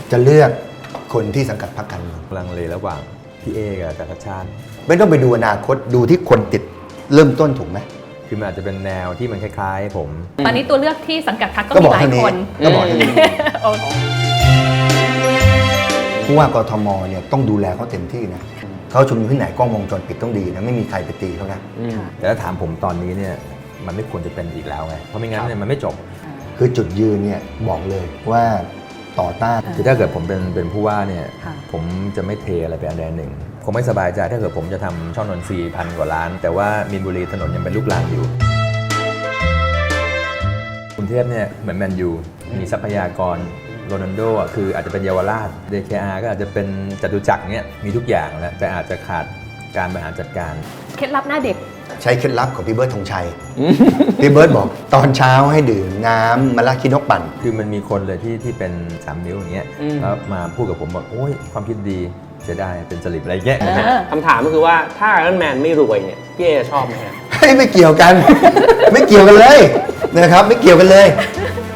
จะเลือกคนที่สังกัดพรรคการเมืองลังเลระหว่างพี่เอกับอาจารย์ชัดชาติไม่ต้องไปดูอนาคตดูที่คนติดเริ่มต้นถูกไหมคือมันอาจจะเป็นแนวที่มันคล้ายๆผมตอนนี้ตัวเลือกที่สังกัดพรรคก็ก็มีบอกหลายเท่านี้คนก็บอกเท่านี้โอ้ผู้ว่ากทมเนี่ยต้องดูแลเขาเต็มที่นะเขาชุมนุมที่ไหนกล้องวงจรปิดต้องดีนะไม่มีใครไปตีเขานะแต่ถ้าถามผมตอนนี้เนี่ยมันไม่ควรจะเป็นอีกแล้วไงเพราะไม่งั้นเนี่ยมันไม่จบคือจุดยืนเนี่ยบอกเลยว่าต่อต้านคือถ้าเกิดผมเป็นผู้ว่าเนี่ยค่ะผมจะไม่เทอะไรไปอันใดหนึ่งผมไม่สบายใจถ้าเกิดผมจะทำช่องนนทรีย์1,000 กว่าล้าน แต่ว่ามีนบุรีถนนยังเป็นลูกรังอยู่กรุงเทพเนี่ยเหมือนแมนยูมีทรัพยากรโรนัลโดอ่ะคืออาจจะเป็นเยาวราช DKR ก็อาจจะเป็นจตุจักรเนี่ยมีทุกอย่างแล้วแต่อาจจะขาดการบริหารจัดการเคล็ดลับหน้าเด็กใช้เคล็ดลับของพี่เบิร์ดธงชัย พี่เบิร์ดบอกตอนเช้าให้ดื่มน้ำมะระขี้นกปั่นคือมันมีคนเลยที่เป็น3 นิ้วอย่างเงี้ยแล้วมาพูดกับผมบอกโอ้ยความคิดดีเสียดายเป็นจริตอะไรเงี้ยคำถามก็คือว่าถ้าไอรอนแมนไม่รวยเนี่ยพี่เอชอบไหมฮะไม่เกี่ยวกัน ไม่เกี่ยวกันเลยนะครับไม่เกี่ยวกันเลย